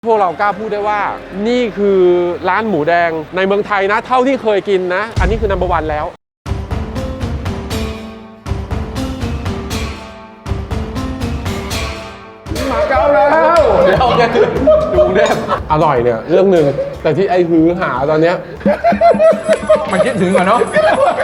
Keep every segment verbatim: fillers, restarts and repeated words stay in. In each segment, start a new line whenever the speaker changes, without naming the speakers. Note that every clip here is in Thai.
พวกเรากล้าพูดได้ว่านี่คือร้านหมูแดงในเมืองไทยนะเท่าที่เคยกินนะอันนี้คือนัมเบอร์วันแล้วมาเก้าแล้วเดี๋ยวแกดูเนี่ยอร่อยเนี่ยเรื่องหนึ่งแต่ที่ไอ้หือหาตอนเนี้ยมันคิดถึงอ่ะเนาะ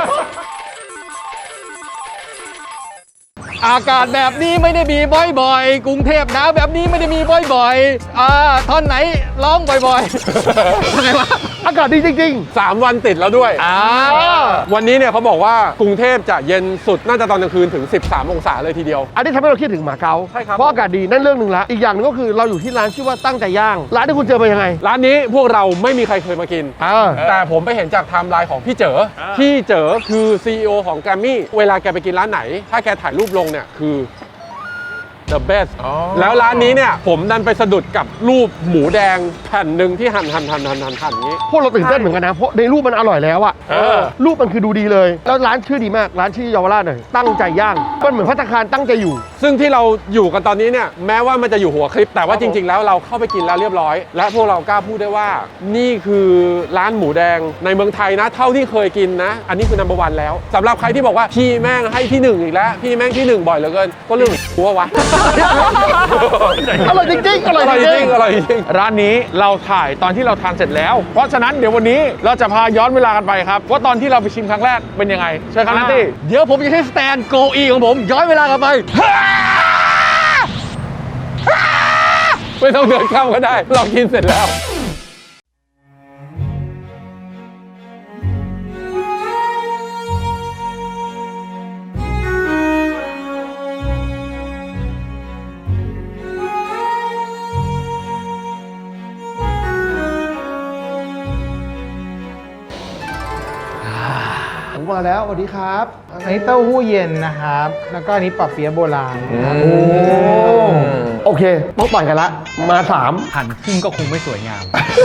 อากาศแบบนี้ไม่ได้มีบ่อยๆกรุงเทพหนาวแบบนี้ไม่ได้มีบ่อยๆอ่าท่อนไหนร้องบ่อยๆทำไมวะอากาศดีจริงๆสามวันติดแล้วด้วยอ่าวันนี้เนี่ยเขาบอกว่ากรุงเทพจะเย็นสุดน่าจะตอนกลางคืนถึงสิบสามองศาเลยทีเดียว
อันนี้ทำให้เราคิดถึงหมาเก๊า
ใช่ครับ
เพราะอากาศดีนั่นเรื่องหนึ่งละอีกอย่างนึงก็คือเราอยู่ที่ร้านชื่อว่าตั้งใจย่างร้านที่คุณเจอเป็นยังไง
ร้านนี้พวกเราไม่มีใครเคยมากินแต่ผมไปเห็นจากไทม์ไลน์ของพี่เจ๋อพี่เจ๋อคือ ซี อี โอ ของแกรมมี่เวลาแกไปกินร้านไหนถ้าแกถ่ายรูปลงเนี่ยคือthe best แล้วร้านนี้เนี่ยผมดันไปสะดุดกับรูปหมูแดงแผ่นหนึ่งที่หั่นหั่นหั่นหั่นหั่นหั่นนี้
พวกเราตื่นเต้นเหมือนกันนะเพราะในรูปมันอร่อยแล้วอะรูปมันคือดูดีเลยแล้วร้านชื่อดีมากร้านชื่อเยาวราชหน่อยตั้งใจย่างมันเหมือนภัตตาคารตั้งใจอยู่
ซึ่งที่เราอยู่กันตอนนี้เนี่ยแม้ว่ามันจะอยู่หัวคลิปแต่ว่าจริงๆแล้วเราเข้าไปกินแล้วเรียบร้อยและพวกเรากล้าพูดได้ว่านี่คือร้านหมูแดงในเมืองไทยนะเท่าที่เคยกินนะอันนี้คือนัมเบอร์วันแล้วสำหรับใครที่บอกว่าพี่แม่งให้ที่หนึ่งอีกแล้วพี่แม่งที่หนึ่งบ่อยเหลือเกินก็เรื่องหัววะ
อร่อยจริงๆอร่อยจริง
ๆอร่อยจริง
ร้านนี้เราถ่ายตอนที่เราทานเสร็จแล้วเพราะฉะนั้นเดี๋ยววันนี้เราจะพาย้อนเวลากันไปครับว่าตอนที่เราไปชิมครั้งแรกเป็นยังไงเชิญครับนัตตี้
เดี๋ยวผมจะใช้สแตนโกอีของผมย้อนเวลากลับไป
ไม่ต้องเดินข้ามก็ได้เรากินเสร็จแล้ว
มาแล้วสวัสดีครับ
อันนี้เต้าหู้เย็นนะครับแล้วก็อันนี้ปอเปี๊ยะโบราณ
โอ้โอเคต้องต่อยกันละมาสาม
หั่นครึ่งก็คงไม่สวยงาม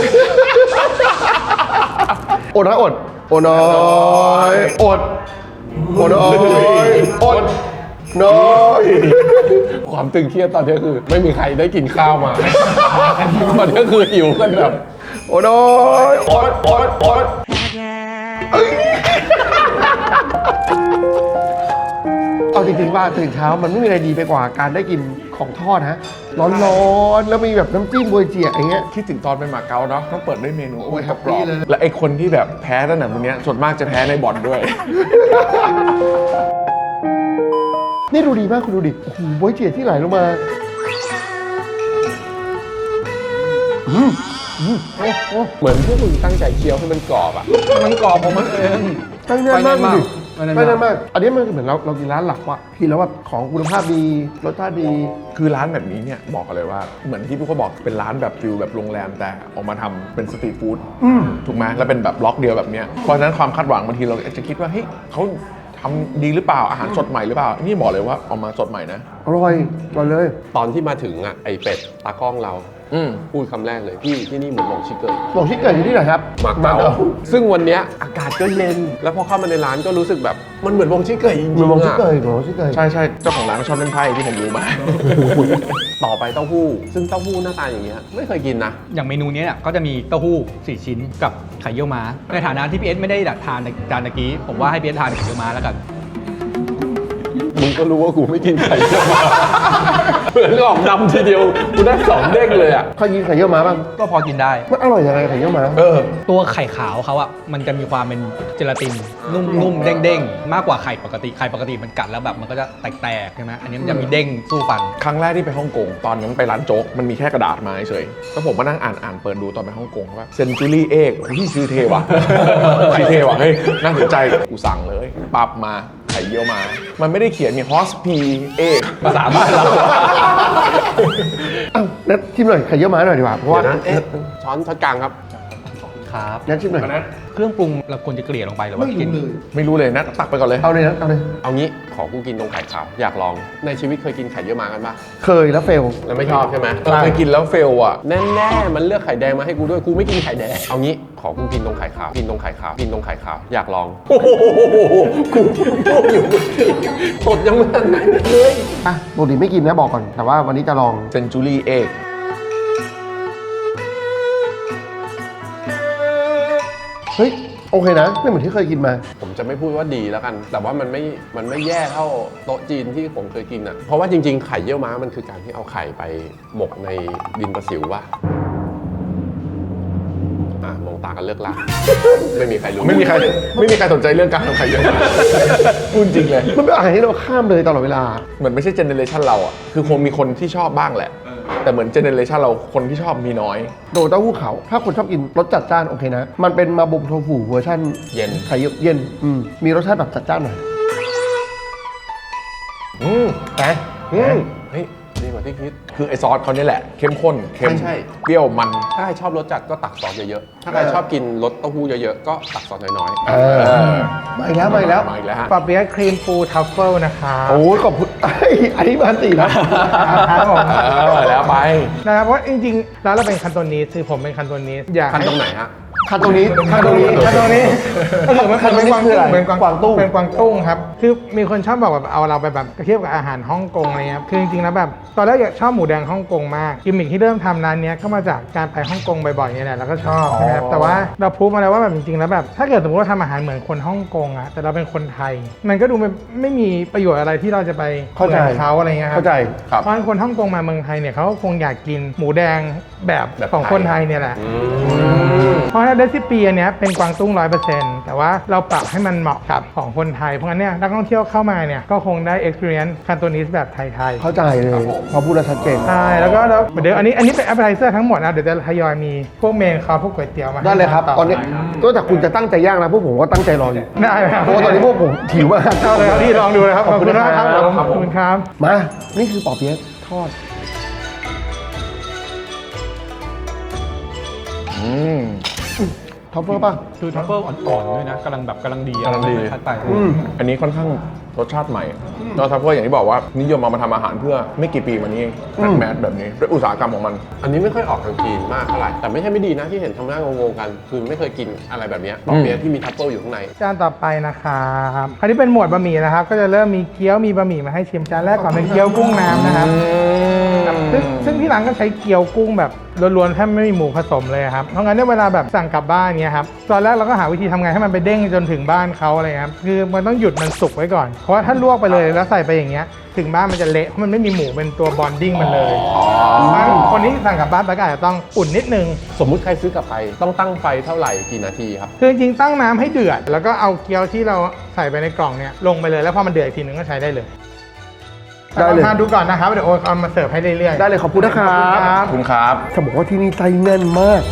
อดนะอดอดน้อยอดอดน้อยอดน้อย
ความตึงเครียดตอนนี้คือไม่มีใครได้กินข้าวมาตอนนี้คือหิวกันแบบ
อดน้อยอดอดอดเอาจริงๆว่าตื่นเช้ามันไม่มีอะไรดีไปกว่าการได้กินของทอดฮะร้อนๆแล้วมีแบบน้ำจิ้มบวยเจี๋ยอย่างเงี้ย
คิดถึงตอนเป็นหมาเก๊าเนาะต้องเปิดด้วยเมนู
โอ้ยแฮปปี้เลย
และไอคนที่แบบแพ้ตั้งแต่วันนี้ส่วนมากจะแพ้ในบ่อนด้วย
นี่ดูดีมากคุณดูดิโอ้โหบวยเจี๋ยที่ไหลลงมา
เหมือนพวกมึงตั้งใจเคี้ยวให้มันกรอบอ่ะ
มันกรอบของมันเอง
ตั้งใจมากดิไม่ได้มากอันนี้มันเหมือนเราเรากินร้านหลักว่ะกินแล้วแบบของคุณภาพดีรสชาติดี
คือร้านแบบนี้เนี่ยบอกกันเลยว่าเหมือนที่พี่เขาบอกเป็นร้านแบบฟิลแบบโรงแรมแต่ออกมาทำเป็นสตรีทฟู้ดถูกไหมแล้วเป็นแบบล็อกเดียวแบบเนี้ยเพราะฉะนั้นความคาดหวังบางทีเราจะคิดว่าเฮ้ยเขาทำดีหรือเปล่าอาหารสดใหม่หรือเปล่านี่บอกเลยว่าออกมาสดใหม่นะ
อร่อยอร่อยเลย
ตอนที่มาถึงอ่ะไอเป็ดตากล้องเราพูดคำแรกเลยพี่ที่นี่เหมือนหลงชิเกอร์
หลงชิเกอร์อยู่ที่ไหนครับ
มาเก๊าซึ่งวันนี้อากาศก็เย็นแล้วพอเข้ามาในร้านก็รู้สึกแบบมันเหมือนวงชิเกอร์จริงๆ
เหมือนวงชิเกอร์เหมือนวงชิเกอร์
ใช่ใช่เจ้าของร้านก็ชอบเล่นไพ่ที่ผมรู้มา
ต่อไปเต้าหู้ซึ่งเต้าหู้หน้าตาอย่างเงี้ยไม่เคยกินนะ
อย่างเมนูนี้เนี่ยก็จะมีเต้าหู้สี่ชิ้นกับไข่เยี่ยวม้าในฐานะที่พี่เอสไม่ได้ทานจานตะกี้ผมว่าให้พี่เอสทานไข่เยี่ยวม้าแล้วกัน
มึงก็รู้ว่ากูไม่กินไข่เยี่ยวม้าเหมือนออกดำทีเดียวกูได้สองเด้งเลยอ่ะ
เคยกินไข่เยี่ยวม้าบ้าง
ก็พอกินได้
มันอร่อยยังไงไข่เยี่ยวม้า
เออตัวไข่ขาวเขาอ่ะมันจะมีความเป็นเจลาตินนุ่มๆเด้งๆมากกว่าไข่ปกติไข่ปกติมันกัดแล้วแบบมันก็จะแตกๆใช่ไหมอันนี้มันจะมีเด้งสู้ฟัน
ครั้งแรกที่ไปฮ่องกงตอนนั้นไปร้านโจ๊กมันมีแค่กระดาษมาเฉยแล้วผมมานั่งอ่านอ่านเปิดดูตอนไปฮ่องกงว่าเซนจูรี่เอกที่ชื่อเทว่ะชื่อเทว่ะเฮ้ยน่าสนใจกูสั่งเลยปั๊บมาไข่เยี่ยวมามันไม่ได้เขียนมีฮอสพีเอกภาษาบ้านเรา
อ้าวนัดชิมหน่อยไข่เยี่ยวม้าหน่อยดีกว่าเพราะว่า
ช้อนช้อนกลางครับ
ครับ
นัดชิมหน่อย
เครื่องปรุงเราควรจะเกลี่ยลงไปหรือว่ากิน
ไม่รู้เลยนะตักไปก่อนเลย
เอาเลยนะเอาเลย
เอางี้ขอกูกินตรงไข่ขาวอยากลองในชีวิตเคยกินไข่เยี่ยวม้ากันปะ
เคยแล้วเฟล
แล้วไม่ชอบใช่ไหม
เคยกินแล้วเฟลอ่ะ
แน่ๆมันเลือกไข่แดงมาให้กูด้วยกูไม่กินไข่แดงเอางี้ขอกูกินตรงไข่ขาวกินตรงไข่ขาวกินตรงไข่ขาวอยากลองโอ้โหกูพูดอยู่สดยังไม่ทันเลย
อ่ะปกติไม่กินนะบอกก่อนแต่ว่าวันนี้จะลอง
เซนจูรี่เอก
เฮ้ยโอเคนะไม่เหมือนที่เคยกินมา
ผมจะไม่พูดว่าดีแล้วกัน แต่ว่ามันไม่ มันไม่แย่เท่าโต๊ะจีนที่ผมเคยกินอ่ะ เพราะว่าจริงๆ ไข่เยี่ยวม้ามันคือการที่เอาไข่ไปหมกในดินประสิวว่ะอ่ะมองตากันเลิกลากไม่มีใครรู้
ไม่มีใครไม่มีใครสนใจเรื่องการทำไข่เยี่ยวม้าพูดจริงเลย
มันเป็นอาหารที่เราข้ามเลยตลอดเวลา
เหมือนไม่ใช่เจเนเรชันเราอ่ะคือคงมีคนที่ชอบบ้างแหละ แต่เหมือนเจเนเรชันเราคนที่ชอบมีน้อย
โดเต้าหู้ขาวถ้าคนชอบกินรสจัดจ้านโอเคนะ มันเป็นมาบุมโทฟูเวอร์ชัน
เย็น
ไข่เย็นอืมมีรสชาติแบบจัดจ้านหน่อย
อืม
แต่
อืม
เฮ้ยดีกว่าที่คิด
คือไอซอสเขาเนี่ยแหละเข้มข้นเค็ม
ใช่ใช่
เปรี้ยวมัน
ถ้าใครชอบรสจัดก็ตักซอสเยอะๆ ถ้าใครชอบกินรสเต้าหู้เยอะๆ ก็ตักซอสน้อย
เออมาอีกแล้วมาอีกแล้ว
มาอีกแล้วฮะ
ปอเปี๊ยะครีมปูทัฟเฟิลนะครับ
โอ้ยขอบคุณไอ้อันนี้มาสี่นะ
ครับผม
เออแล้วไป
นะครับเพราะจริงๆแล้วเราเป็นคันโตนีสคือผมเป็นคันโตนีสอยาก
ๆคันตรงไหนฮะ
คันตรงนี้คันตรงนี้
คันโตนีสก็คือมัน
คันโตนีสคืออะไร
เป็นกวาง
กวางตุ้ง
เป็นกวางตุ้งครับคือมีคนชอบบอกแบบเอาเราไปแบบเทียบกับอาหารฮ่องกงอะไรเงี้ยครับคือจริงๆแล้วแบบตอนแรกอยากชอบหมูแดงฮ่องกงมากกิมมิคที่เริ่มทำร้านเนี้ยก็มาจากการไปฮ่องกงบ่อยๆเนี่ยแหละแล้วก็ชอบใช่ไหมครับแต่ว่าเราพูดมาแล้วว่าแบบจริงๆแล้วแบบถ้าเกิดสมมติว่าทำอาหารเหมือนคนฮ่องกงอะแต่เราเป็นคนไทย มันก็ดูไม่ไม่มีประโยชน์อะไรที่เราจะไป
เข้าใจ
หมือนเขาอะไรเงี้ยครับ
เข้าใจ
ครับ
เพราะฉะนั้นคนฮ่องกงมาเมืองไทยเนี่ยเขาก็คงอยากกินหมูแดงแบบ
แบบ
ของ
ไทย
คนไทยเนี่ยแหละ เพราะฉะนั้นเดซิปีอันเนี้ยเป็นกวางตุ้งร้อยเปอร์เซ็นต์แต่ว่าเราปรับให้มันเหมาะกับของคนไทย เพราะงั้นเนี่ยนักท่องเที่ยวเข้ามาเนี่ยก็คงได้ experience คันโตนิสแบบไทย
เข้าใจเลยพอพูดแล้วชัดเจน
ๆใช่แล้วก็แล้วเดี๋ยวอันนี้อันนี้เป็น appetizer ทั้งหมดนะเดี๋ยวจะทยอยมีพวกเมนคอร์สพวกก๋วยเตี๋ยวมาให้
ได้เลยครับ
ต่
ตอนนี้นอกจากคุณจะตั้งใจย่างนะพวกผมก็ตั้งใจรออยู่
ได้ครับ
เพราะว่าตอนนี้พวกผมหิวมาก
เอาเลยครับพี่ลองดูนะครับ
ขอบคุณ
มากครับ
ครับ
ผมขอบคุณครับ
มา นี่คือปอเปี๊ยะทอด
อืม
ท็อปเปอร์ป่ะ
คือทัฟเฟิลอ่อนๆด้วยนะกำลังแบบกำลังดีอะ
กำลังดี
ไม่ชัดไป
อืม
อันนี้ค่อนข้างรสชาติใหม่แล้วทัฟเฟอร์อย่างที่บอกว่านิยมเอามาทำอาหารเพื่อไม่กี่ปีมานี้เอง
อืม
แมสแบบนี้ด้วยอุตสาหกรรมของมัน
อันนี้ไม่ค่อยออกทางจีนมากเท่าไหร่ แต่ไม่ใช่ไม่ดีนะที่เห็นทำหน้างงๆกัน คือไม่เคยกินอะไรแบบเนี้ยปอเปี๊ยะที่มีทัฟเฟิลอยู่ข้างใน
จานต่อไปนะครับคราวนี้เป็นหมวดบะหมี่นะครับ ก็จะเริ่มมีเกี๊ยวมีบะหมี่มาให้ชิมจานแรกก่อนเป็นเกี๊ยวกุ้งน้ำนะครับซึ่งซึ่งที่ร้านก็ใช้เกี๊ยวกุ้งแบบล้วนๆแทบไม่มีหมูผสมเลยครับเพราะงั้นเนี่ยเวลาแบบสั่งกลับบ้านเนี้ยครับตอนแรกเราก็หาวิธีทำไงให้มันไปเด้งจนถึงบ้านเขาอะไรครับคือมันต้องหยุดมันสุกไว้ก่อนเพราะว่าถ้าลวกไปเลยแล้วใส่ไปอย่างเงี้ยถึงบ้านมันจะเละเพราะมันไม่มีหมูเป็นตัวบอนดิ้งมันเลยเพราะฉะนั้นคนที่สั่งกลับบ้านไปก็อาจจะต้องอุ่นนิดนึง
สมมุติใครซื้อกลับไปต้องตั้งไฟเท่าไหร่กี่นาทีครับ
คือจริงๆตั้งน้ำให้เดือด แล้วก็เอาเกี๊ยวที่เราใส่ไปในกล่องเนี่ยลงไปเลยแล้วพอมันเดือดอีกทีนึงก็ใช้ได้เลย
ได้เลย
ลองทานดูก่อนนะครับเดี๋ยวโอ๊ตเอามาเสิร์ฟให้เรื่อยๆ
ได้เลยขอบคุณนะครั
ขอบ บ
ขอบคุณครับ
จะบอกว่าที่นี่ไส้แน่นมาก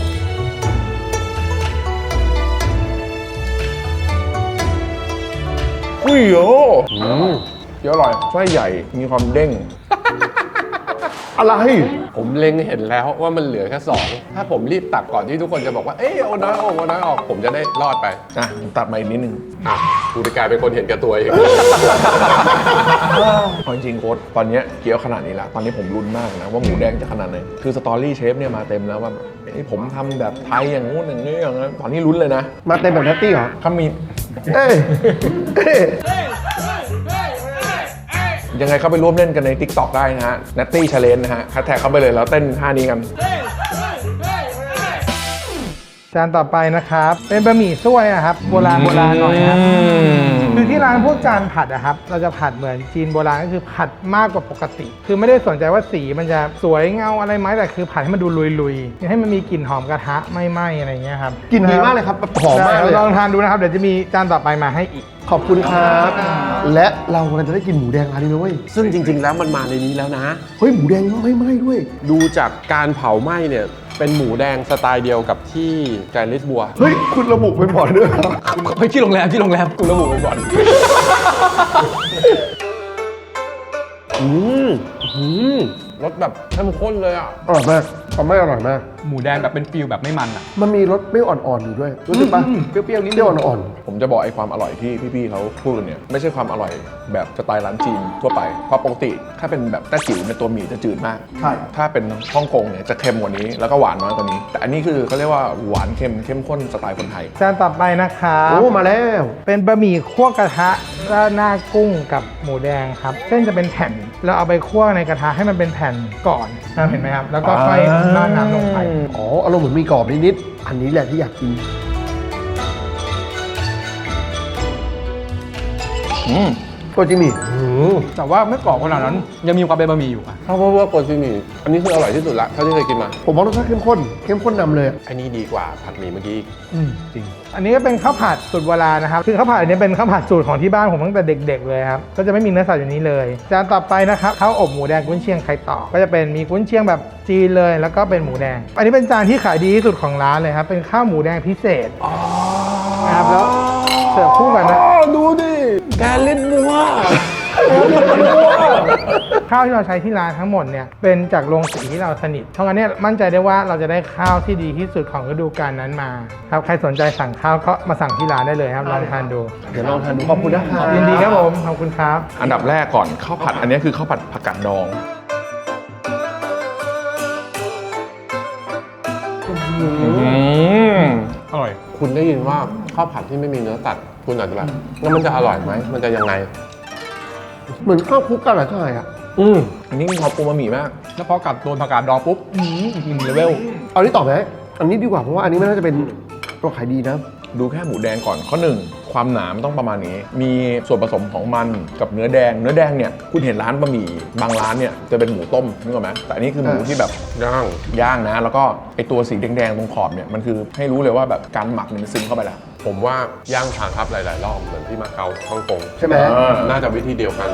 อุ้ยโยเดี๋ยวอร่อยไส้ใหญ่มีความเด้ง
อะไร
ผมเล็งเห็นแล้วว่ามันเหลือแค่สองถ้าผมรีบตักก่อนที่ทุกคนจะบอกว่า เอ้ยเอาน้อยออกเอาน้อยออก ผมจะได้รอดไป
อ่ะผมตัดมาอีกนิดนึง
อ่ะกูจะกลายเป็นคนเห็นแก่ตัวเอง
เอาจริงๆโค้ดตอนเนี้ยเกี๊ยวขนาดนี้ละตอนนี้ผมลุ้นมากนะว่าหมูแดงจะขนาดไหนคือสตอรี่เชฟเนี่ยมาเต็มแล้วว่าแบบเอ้ยผมทำแบบไทยอย่างงู้นอย่างนี้อย่างนั้นตอนนี้ลุ้นเลยนะ
มาเต็มแบบแนตตี้เหรอ
ถ้ามี
เอ้ยเอ้ย
ยังไงเข้าไปร่วมเล่นกันใน TikTok ได้นะฮะ Natty Challenge นะฮะแฮชแท็กเข้าไปเลยแล้วเต้นท่านี้กัน
จานต่อไปนะครับเป็นบะหมี่ซั่วนะครับโบราณโบราณหน่อยครับคือที่ร้านพวกจานผัดอะครับเราจะผัดเหมือนจีนโบราณก็คือผัดมากกว่าปกติ คือไม่ได้สนใจว่าสีมันจะสวยเงาอะไรไหมแต่คือผัดให้มันดูลุยๆให้มันมีกลิ่นหอมกระทะไม่ไหม้อะไรอย่างเงี้ยครับ
กลิ่นดีมากเลยครับหอมมากเลย
ลองทานดูนะครับเดี๋ยวจะมีจานต่อไปมาให้อีก
ขอบคุณครับ และเรากำลังจะได้กินหมูแดงร้านนี้นะเว้ย
ซึ่งจริง ๆ แล้วมันมาในนี้แล้วนะ
เฮ้ยหมูแดงไม่ไหม้ด้วย
ดูจากการเผาไหม้เนี่ย เป็นหมูแดงสไตล์เดียวกับที่แกรนลิสบัว
เฮ้ยคุณระบุเป็นบอร์ดด้วยเหรอ
ไปที่โรงแรมที่โรงแรมกูระบุไปก่อน
อืมอืมรสแบบเข้มข้นเลยอ่ะ
อร่อยมากทำไม่อร่อยมาก
หมูแดงแบบเป็นฟิลแบบไม่มันอ่ะ
มันมีรสเปรี้ยวอ่อนๆอยู่ด้วยรู้สึกปะ
อืมเปรี้ยวๆนิดนึง
เปรี้ยวอ่อน
ผมจะบอกไอ้ความอร่อยที่พี่ๆเขาพูดกันเนี่ยไม่ใช่ความอร่อยแบบสไตล์ร้านจีนทั่วไปเพราะปกติถ้าเป็นแบบแต้จิ๋วในยตัวหมี่จะจืดมาก
ๆใช่
ถ้าเป็นฮ่องกงเนี่ยจะเค็มกว่านี้แล้วก็หวานน้อยกว่านี้ แต่อันนี้คือเขาเรียกว่าหวานเค็มเข้มข้นสไตล์คนไทย
จานต่อไปนะครับ
โอ้มาแล้ว
เป็นบะหมี่คั่วกระทะราดหน้ากุ้งกับหมูแดงครับเส้นจะเป็นแผ่นเราเอาไปคั่วในกระทะให้มันเป็นแผ่นก่อนนะเห็นไหมครับแล้วก็ค่อยราดน้ำลงไป
อ๋ออารมณ์เหมือนมีกรอบนิดๆอันนี้แหละที่อยากกิน
อืม
โกจิมิ
แต่ว่าไม่กรอบขนาดนั้นยังมีความเป็นบะหมี่อยู่อะ
เพราะว่าโกจิมิอันนี้คืออร่อยที่สุดละเท่าที่เคยกินมา
ผมว่ารสชาติเข้มข้น เข้มข้นนำเลยอะ
อันนี้ดีกว่าผัดหมี่เมื่อกี้อีก
จริง
อันนี้ก็เป็นข้าวผัดสูตรโบราณนะครับ คือข้าวผัดอันนี้เป็นข้าวผัดสูตรของที่บ้านผมตั้งแต่เด็กๆเลยครับ ก็จะไม่มีเนื้อสัตว์อยู่นี้เลย จานต่อไปนะครับข้าวอบหมูแดงกุ้นเชียงไข่ต่อ ก็จะเป็นมีกุ้นเชียงแบบจีนเลย แล้วก็เป็นหมูแดง อันนี้เป็นจานที่ขายดีที่สุดของร้านเลยครับ เป็นข้าวหมูแดงพิเศษนะครับ แล้วเสิร์ฟคู่กันนะ
ดูดิแกเล่นมัว
ข้าวที่เราใช้ที่ร้านทั้งหมดเนี่ยเป็นจากโรงสีที่เราสนิทเพราะงั้นเนี่ยมั่นใจได้ว่าเราจะได้ข้าวที่ดีที่สุดของฤดูกาลนั้นมาครับใครสนใจสั่งข้าวก็มาสั่งที่ร้านได้เลยครับลองทานดู
เดี๋ยวลองทานดูขอบคุณนะครับ
ยินดีครับผมขอบคุณครับ
อันดับแรกก่อนข้าวผัดอันนี้คือข้าวผัดผักกาดดองอืม
อร่อย
คุณได้ยินว่าข้าวผัดที่ไม่มีเนื้อสัตว์คุณอาจจะแบบแล้วมันจะอร่อยไหมมันจะยังไง
เหมือนข้าวคลุกกันเหรอใช่อะ
อืม
อันนี้มีความปูมาหมี่มาก
แล้วพอกัดโดนผักกาดดองปุ๊บอื้อหืออีกหนึ่งเลเวล
เอานี้ต่อไหมอันนี้ดีกว่าเพราะว่าอันนี้ไม่น่าจะเป็นตัวขายดีนะ
ดูแค่หมูแดงก่อนข้อหนึ่งความหนามนต้องประมาณนี้ มีส่วนผสมของมันกับเนื้อแดง เนื้อแดงเนี่ยคุณเห็นร้านบะหมี่บางร้านเนี่ยจะเป็นหมูต้มนึกออกไหมแต่อันนี้คือหมู
เออ
ที่แบบ
ย่าง
ย่างนะ แล้วก็ไอตัวสีแดงๆตรงขอบเนี่ยมันคือให้รู้เลยว่าแบบการหมักเนี่ยมันซึมเข้าไปแล้ว
ผมว่าย่างทางครับหลาย ๆ รอบเหมือนที่มาเก๊าฮ่องกง
ใช่ไหม
เออ
น่าจะวิธีเดียวกัน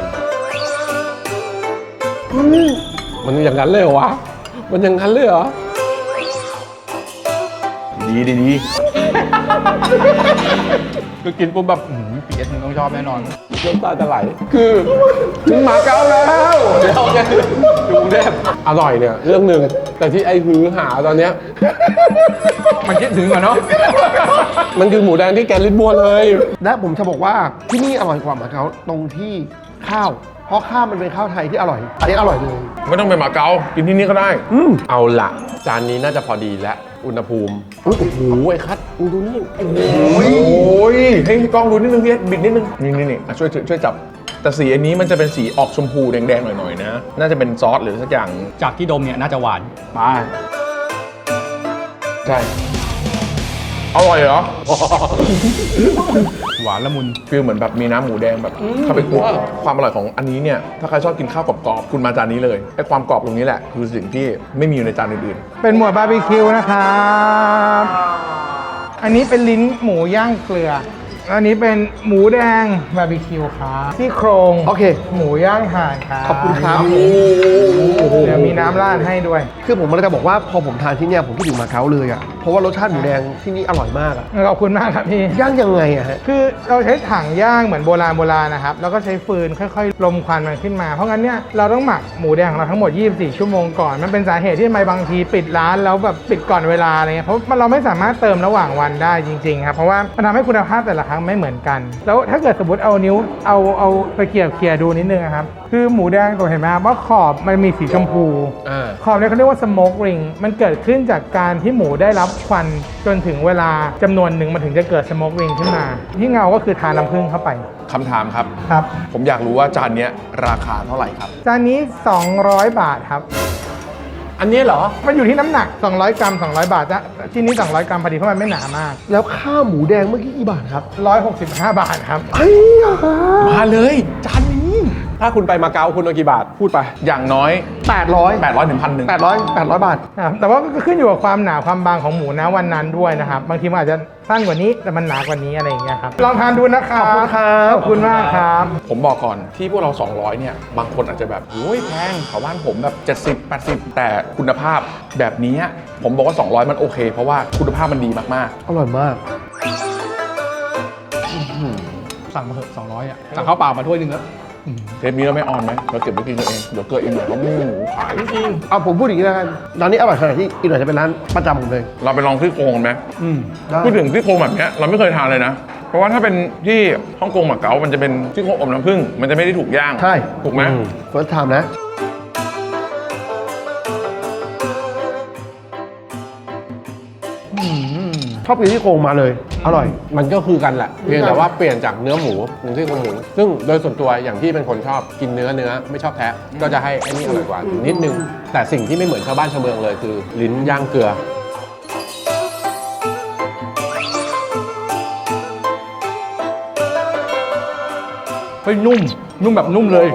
มันอย่างนั้นเลยเหรอวะ มันอย่างนั้นเลยเหรอ
ดีดีดี
คือกินปุ๊บแบบอื้อหือปีเอสมึงต้องชอบแน่นอน
น้ำตาจะไหล คือถึงมาเก๊าแล้ว เดี๋ยวแกดูกรุงเทพอร่อยเนี่ยเรื่องหนึ่ง แต่ที่ไอ้หือหาตอนเนี้ย
มันคิดถึงอะเนาะ
มันคือหมูแดงที่แกลิดบัวเลย
และผมจะบอกว่าที่นี่อร่อยกว่าหมาเก๊าตรงที่ข้าว เพราะข้าวมันเป็นข้าวไทยที่อร่อย อันนี้อร่อยเลย
ไม่ต้องไปมาเก๊ากินที่นี่ก็ได้
อืม
เอาละจานนี้น่าจะพอดีและอุณหภูมิ โอ้โหไอ้คัทมึงดูนี่โอ้โห
โอ้ยให้กล้องดูนิดนึงพี่เอ็ดบิดนิดนึงนี่นี่นี่อ่ะช่วยช่วยช่วยจับ แต่สีอันนี้มันจะเป็นสีออกชมพูแดงๆหน่อยๆนะ น่าจะเป็นซอสหรือสักอย่าง
จากที่ดมเนี่ยน่าจะหวาน
ไปใช่อร่อยเหรอ
หวานละมุน
ฟีลเหมือนแบบมีน้ำหมูแดงแบบเข้าไปคลุกความอร่อยของอันนี้เนี่ยถ้าใครชอบกินข้าวกรอบๆคุณมาจานนี้เลยไอ้ความกรอบตรงนี้แหละคือสิ่งที่ไม่มีอยู่ในจานอื่น
เป็นหมวดบาร์บีคิวนะครับ อันนี้เป็นลิ้นหมูย่างเกลือ อันนี้เป็นหมูแดงบาร์บีคิวครับซี่โครง
โอเค
หมูย่างถ่านครับ
ขอบคุณครับ
เดี๋ยวมีน้ำราดให้ด้วย
คือผมเลยจะบอกว่าพอผมทานที่เนี่ยผมคิดถึงหมาเก๊าเลยอ่ะ เพราะว่ารสชาติหมูแดงที่นี่อร่อยมากอ่ะ
ขอบคุณมากครับพี่
ย่างยังไงอะฮะ
คือเราใช้ถังย่างเหมือนโบราณโบราณนะครับ แล้วก็ใช้ฟืนค่อยๆ ลมควันมันขึ้นมา เพราะงั้นเนี่ยเราต้องหมักหมูแดงของเราทั้งหมด ยี่สิบสี่ ชั่วโมงก่อน มันเป็นสาเหตุที่ทำไมบางทีปิดร้านแล้วแบบปิดก่อนเวลาอะไรเงี้ย เพราะเราไม่สามารถเติมระหว่างวันได้จริงๆครับ เพราะว่ามันทำให้คุณภาพแต่ละครั้งไม่เหมือนกัน แล้วถ้าเกิดสมมติเอานิ้วเอาเอาไปเกี่ยวเคี่ยดูนิดนึงนะครับ คือหมูแดงตัวเห็นไหมครับว่าขอบมันมีสีชมพู
อ่า
ขอบเนี่ยเขาเรียกว่า smoke ring มันเกิดขึ้นจากการที่หมูได้รับควันจนถึงเวลาจำนวนหนึ่งมันถึงจะเกิด smoke ring ขึ้นมา ที่เงาก็คือทาน้ำผึ้งเข้าไป
ๆคำถามครับ
ครับ
ผมอยากรู้ว่าจานเนี้ยราคาเท่าไหร่ครับ
จานนี้ สองร้อย บาทครับ
อันนี้เหรอ
มันอยู่ที่น้ำหนัก สองร้อย กรัม สองร้อย บาทจะชิ้นนี้ สองร้อย กรัมพอดีเพราะมันไม่หนามาก
แล้วข้าวหมูแดงเมื่อกี้กี่บาทครับ
หนึ่งร้อยหกสิบห้า บาทครับ
เฮ้ยอ่ะ
มาเลยจานนี้
ถ้าคุณไปมาเก๊าคุณเอากี่บาท พูดไป
อย่างน้อย
แปดร้อย
แปดร้อยถึงพันหนึ่ง
แปดร้อยแปดร้อยบาท
ครับแต่ว่าก็ขึ้นอยู่กับความหนาความบางของหมูนะวันนั้นด้วยนะครับ บางทีมันอาจจะสั้นกว่านี้แต่มันหนากว่านี้อะไรอย่างเงี้ยครับ ลองทานดูนะครับ
ขอบคุณครับ
ขอบคุณมากครับ
ผมบอกก่อนที่พวกเรา สองร้อย เนี่ย บางคนอาจจะแบบโอ้ยแพงแถวบ้านผมแบบ เจ็ดสิบ แปดสิบ แต่คุณภาพแบบนี้ผมบอกว่า สองร้อย มันโอเค เพราะว่าคุณภาพมันดีมาก
อร่อยมาก
สั่งมาเถอะสองร้อยอ่ะ สั่งข้าวเปล่ามาถ้วยหนึงแล้ว
ๆ เทปนี้เราไม่ออนไหมเราเก็บไว้กินกันเอง เดี๋ยวเกิดอีกหน่อยเราไม่มีหมูขายจริง
เอาผมพูดอย่างนี้แล้วกันร้านนี้อร่อยขนาดที่อีกหน่อยจะเป็นร้านประจำผมเลย
เราไปลองซี่โครงกันไหม
อืม
ได้
พูดถึงซี่โครงแบบเนี้ยเราไม่เคยทานเลยนะ เพราะว่าถ้าเป็นที่ฮ่องกงหมาเก๊ามันจะเป็นซี่โครงอบน้ำผึ้งมันจะไม่ได้ถูกย่าง
ใช่
ถูกไหม
เฟิร์สไทม์นะ ชอบกินที่โครงมาเลย อร่อย
มันก็คือกันแหละ เพียงแต่ว่าเปลี่ยนจากเนื้อหมูเป็นที่โครงหมู ซึ่งโดยส่วนตัวอย่างที่เป็นคนชอบกินเนื้อเนื้อไม่ชอบแทะ ก็จะให้ไอ้นี่อร่อยกว่านิดนึง แต่สิ่งที่ไม่เหมือนชาวบ้านชาวเมืองเลยคือ ลิ้นย่างเกลือ
อ
ฮ้ยนุ่ม นุ่มแบบนุ่มเลย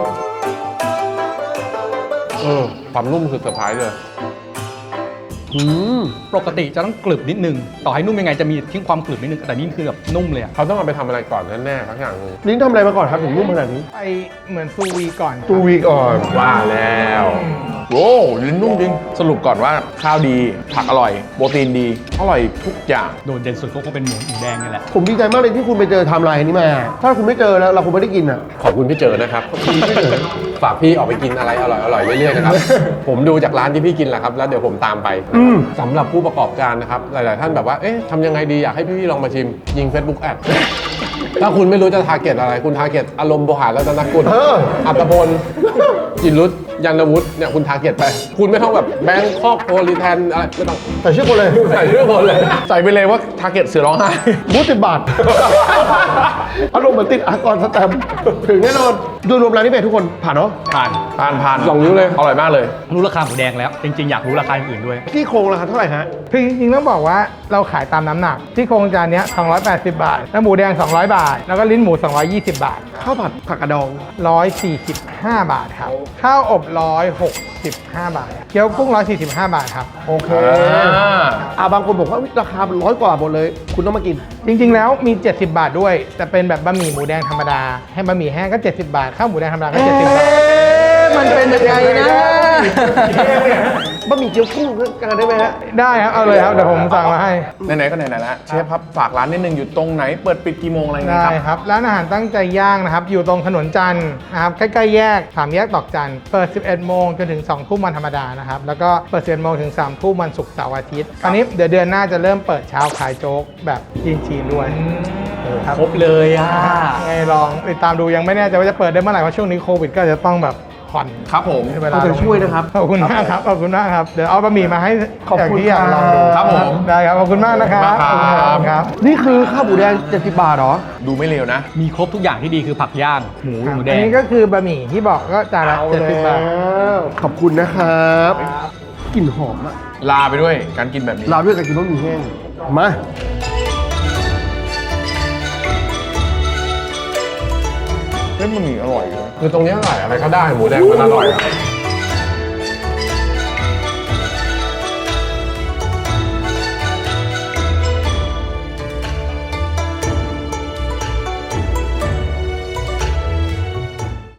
เออความนุ่มคือเซอร์ไพรส์เลย
อืม
ปกติจะต้องกรึบนิดนึง ต่อให้นุ่มยังไงจะมีทิ้งความกรึบนิดนึง แต่นี่คือแบบนุ่มเลยอะ
เขาต้องเอาไปทำอะไรก่อนแน่ๆสักอย่างหนึง
ลิ้นทำอะไรมาก่อนครับถึงนุ่มขนาดนี้
ไปเหมือนซูวีก่อนครับ
ตูวีก่อน
ว่าแล้ว
โอ้ลิ้นนุ่มจริง สรุปก่อนว่าข้าวดี ผักอร่อย โปรตีนดี อร่อยทุกอย่าง
โดดเด่นสุดก็คงเป็นหมูหมูแดงนี่แหละ
ผมดีใจมากเลยที่คุณไปเจอไทม์ไลน์นี้มา ถ้าคุณไม่เจอแล้วเราคงไม่ได้กินอ่ะ
ขอบคุณพี่เจอนะครับฝากพี่ออกไปกินอะไรอร่อยๆเรื่อยๆนะครับ ผมดูจากร้านที่พี่กินแหละครับแล้วเดี๋ยวผมตามไป
อืม
สำหรับผู้ประกอบการนะครับหลายๆท่านแบบว่าเอ๊ะทำยังไงดีอยากให้พี่ๆลองมาชิมยิง Facebook แอด ถ้าคุณไม่รู้จะทาร์เก็ตอะไรคุณทาร์เก็ตอารมณ์โบหารรัตนกุล
เออ
อัตพลจินรุตยันวุฒิเนี่ยคุณทาร์เก็ตไป คุณไม่ต้องแบบแบงคอกโพลิแทนอะไรไม่ต้อง
แต่ชื่อคนเลย
ใส่ชื่อคนเลย
ใส่ไปเลยว่าทาร์เก็ตเสือร้องไห้
บูธสิบบาท อารมณ์เหมือนติดอากรสแตมป์ถึงแน่นอนโดยรวมร้านนี้เป็นทุกคนผ่านเนาะ
ผ่านผ่านผ่าน
สองนิ้วเลย
อร่อยมากเลย
รู้ราคาหมูแดงแล้ว จริงๆ อยากรู้ราคาอื่นๆด้วย
ที่โครงราคาเท่าไหร่ฮะ
คือจริงๆต้องบอกว่าเราขายตามน้ำหนัก ที่โครงจานเนี้ยสองร้อยแปดสิบบาท แล้วหมูแดง สองร้อย บาท แล้วก็ลิ้นหมู สองร้อยยี่สิบ บาท
ข้าวผัดผักกระดอง
หนึ่งร้อยสี่สิบห้า บาทครับ ข้าวอบ หนึ่งร้อยหกสิบห้า บาท เกี๊ยวกุ้ง หนึ่งร้อยสี่สิบห้า บาทครับ
โอเค
อ่า
อ่าบางคนบอกว่าราคาเป็นร้อยกว่าหมดเลย คุณต้องมากิน
จริงๆ แล้วมี เจ็ดสิบบาทด้วย แต่เป็นแบบบะหมี่หมูแดงธรรมดา ให้บะหมี่แห้งก็ เจ็ดสิบบาท ข้าวหมูแดงธรรมดาก็ เจ็ดสิบบาท
มันเป็นยังไงนะบะหมี่เกี๊ยวกุ้งกันได้ไหมฮะ
ได้ครับ เอาเลยครับ เดี๋ยวผมสั่งมาให้
ไหนๆก็ไหนๆแล้วเชฟครับฝากร้านนิดนึงอยู่ตรงไหนเปิดปิดกี่โมงอะไรเงี้
ได้
ยครับ
ครับ ร้านอาหารตั้งใจย่างนะครับ อยู่ตรงถนนจันทร์นะครับ ใกล้ๆแยกสามแยกตอกจันทร์ เปิด สิบเอ็ดโมงจนถึง สองทุ่มวันธรรมดานะครับ แล้วก็เปิด สิบเอ็ดโมงถึง สามทุ่มวันศุกร์เสาร์อาทิตย์คราวนี้เดี๋ยวเดือนหน้าจะเริ่มเปิดเช้าขายโจ๊กแบบจีนๆด้วยครับ
ครบเลยอ่ะ
ไงลองติดตามดูยังไม่แน่ใจว่าจะเปิดได้เมื่อไหร่เพราะช่วงนี้โควิดก็จะต้องแบบผ่อน
ครับผม
เวลา
ขอบคุณช่วยนะครับ
ขอบคุณมากครับ ขอบคุณมากครับ เดี๋ยวเอาบะหมี่มาให้
ขอบคุณ
ย่างที่อยากลองดู
ครับผม
ได้ครับ ขอบคุณมากนะครับ
ขอบคุณมากครับ
ขอณครับ
นี่คือข้าวหมูแดงเจ็ดสิบบาทเหรอ
ดูไม่เร็วนะ
มีครบทุกอย่างที่ดีคือผักย่าง หมูหมูแด
อัน
ง
นี้ก็คือบะหมี่ที่บอกก็จานละเจ็ดสิบบาท
ขอบคุณนะครับกลิ่นหอมอะ
ลาไปด้วยการกินแบบนี้
ลาด้วยกับกินบะหมี่แห้ง มา
เฮ้ยมันมีอร่อยเลย
คือตรงเนี้ยอร่อยอะไรก็ได้หมูแดงมันอร่อยอะ